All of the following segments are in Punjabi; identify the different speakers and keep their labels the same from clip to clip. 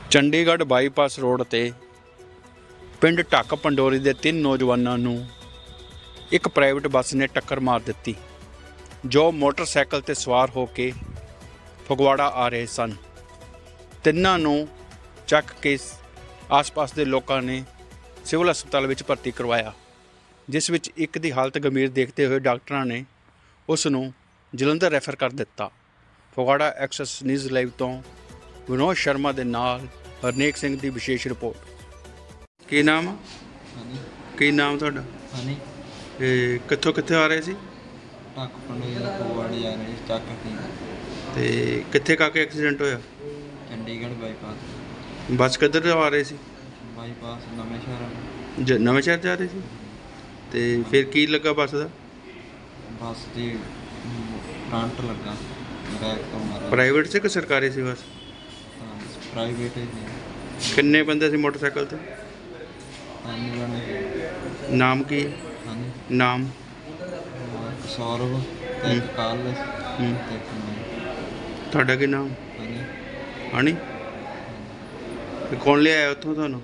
Speaker 1: ਚੰਡੀਗੜ੍ਹ ਬਾਈਪਾਸ ਰੋਡ ਤੇ ਪਿੰਡ ਢੱਕ ਪੰਡੋਰੀ ਦੇ 3 ਨੌਜਵਾਨਾਂ ਨੂੰ ਇੱਕ ਪ੍ਰਾਈਵੇਟ ਬੱਸ ਨੇ ਟੱਕਰ ਮਾਰ ਦਿੱਤੀ, ਜੋ ਮੋਟਰਸਾਈਕਲ ਤੇ ਸਵਾਰ ਹੋ ਕੇ ਫਗਵਾੜਾ ਆ ਰਹੇ ਸਨ। ਤਿੰਨਾਂ ਨੂੰ ਚੱਕ ਕੇ ਆਸ-ਪਾਸ ਦੇ ਲੋਕਾਂ ਨੇ ਸਿਵਲ ਹਸਪਤਾਲ ਵਿੱਚ ਭਰਤੀ ਕਰਵਾਇਆ, ਜਿਸ ਵਿੱਚ ਇੱਕ ਦੀ ਹਾਲਤ ਗੰਭੀਰ ਦੇਖਦੇ ਹੋਏ ਡਾਕਟਰਾਂ ਨੇ ਉਸ ਨੂੰ ਜਲੰਧਰ ਰੈਫਰ ਕਰ ਦਿੱਤਾ। ਫਗਵਾੜਾ ਐਕਸੈਸ ਨਿਊਜ਼ ਲਾਈਵ ਤੋਂ ਵਿਨੋਦ ਸ਼ਰਮਾ ਦੇ ਨਾਲ ਹਰਨੇਕ ਸਿੰਘ ਦੀ ਵਿਸ਼ੇਸ਼ ਰਿਪੋਰਟ। ਕੀ ਨਾਮ ਆ? ਕੀ ਨਾਮ ਤੁਹਾਡਾ?
Speaker 2: ਹਨੀ
Speaker 1: ਇਹ ਕਿੱਥੋਂ ਕਿੱਥੇ ਆ ਰਹੇ ਸੀ
Speaker 2: ਢੱਕ ਪੰਡੋਰੀ ਦਾ ਫਗਵਾੜੇ ਜਾ ਰਹੇ ਚੱਕ ਕੇ
Speaker 1: ਤੇ ਕਿੱਥੇ ਕਾਕੇ ਐਕਸੀਡੈਂਟ ਹੋਇਆ?
Speaker 2: ਚੰਡੀਗੜ੍ਹ ਬਾਈਪਾਸ
Speaker 1: ਬੱਸ ਕਿੱਧਰ ਆ ਰਹੇ ਸੀ?
Speaker 2: ਬਾਈਪਾਸ ਨਵੇਂ ਸ਼ਹਿਰ
Speaker 1: ਨਵੇਂ ਸ਼ਹਿਰ ਜਾ ਰਹੇ ਸੀ। ਤੇ ਫਿਰ ਕੀ ਲੱਗਾ ਬੱਸ ਦਾ?
Speaker 2: ਬੱਸ ਦੀ ਫਰੰਟ ਲੱਗਾ ਬੈਕ ਤੋਂ ਮਾਰਿਆ।
Speaker 1: ਪ੍ਰਾਈਵੇਟ ਸੀ ਕਿ ਸਰਕਾਰੀ ਸੀ ਬੱਸ?
Speaker 2: ਪ੍ਰਾਈਵੇਟ ਹੀ
Speaker 1: ਕਿੰਨੇ ਬੰਦੇ ਸੀ ਮੋਟਰਸਾਈਕਲ ਤੇ?
Speaker 2: ਹਾਂਜੀ ਬਣੇ
Speaker 1: ਨਾਮ ਕੀ ਹੈ?
Speaker 2: ਹਾਂਜੀ
Speaker 1: ਨਾਮ?
Speaker 2: ਇੱਕ ਸੌਰਵ ਤੇ ਇੱਕ ਕਾਰਲਸ ਤੇ ਇੱਕ ਮੈਂ।
Speaker 1: ਤੁਹਾਡਾ ਕੀ ਨਾਮ?
Speaker 2: ਹਾਂਜੀ
Speaker 1: ਹਣੀ? ਤੇ ਕੌਣ ਲਿਆਇਆ ਉੱਥੋਂ ਤੁਹਾਨੂੰ?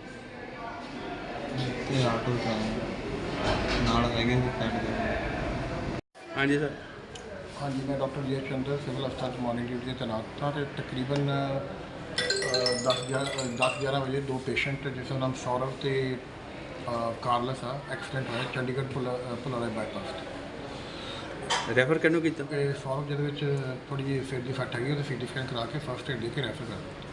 Speaker 2: ਤੇ ਆਟੋ ਨਾਲ ਹੈਗੇ ਸੀ ਪਿੰਡ ਦੇ।
Speaker 1: ਹਾਂਜੀ ਸਰ।
Speaker 3: ਹਾਂਜੀ, मैं डॉक्टर जे चंद्र सिविल हस्पताल मॉर्निंग ड्यूटी ਤੇ तैनात था। तो तकरीबन 10-11 ਵਜੇ ਦੋ ਪੇਸ਼ੈਂਟ ਜਿਸ ਦਾ ਨਾਮ ਸੌਰਵ ਤੇ ਕਾਰਲਸ ਆ ਐਕਸੀਡੈਂਟ ਹੋਇਆ ਚੰਡੀਗੜ੍ਹ ਪੁਲਾੜਾ ਬਾਈਪਾਸ।
Speaker 1: ਰੈਫਰ ਕਿਹਨੂੰ ਕੀਤਾ?
Speaker 3: ਤੇ ਸੌਰਵ ਜਿਹਦੇ ਵਿੱਚ ਥੋੜੀ ਜਿਹੀ ਸਿਰ ਦੀ ਫੱਟ ਹੈਗੀ, ਉਹਦੇ ਸੀਟੀ ਸਕੈਨ ਕਰਾ ਕੇ ਫਸਟ ਏਡ ਦੇ ਕੇ ਰੈਫਰ ਕਰ ਦਿੱਤਾ।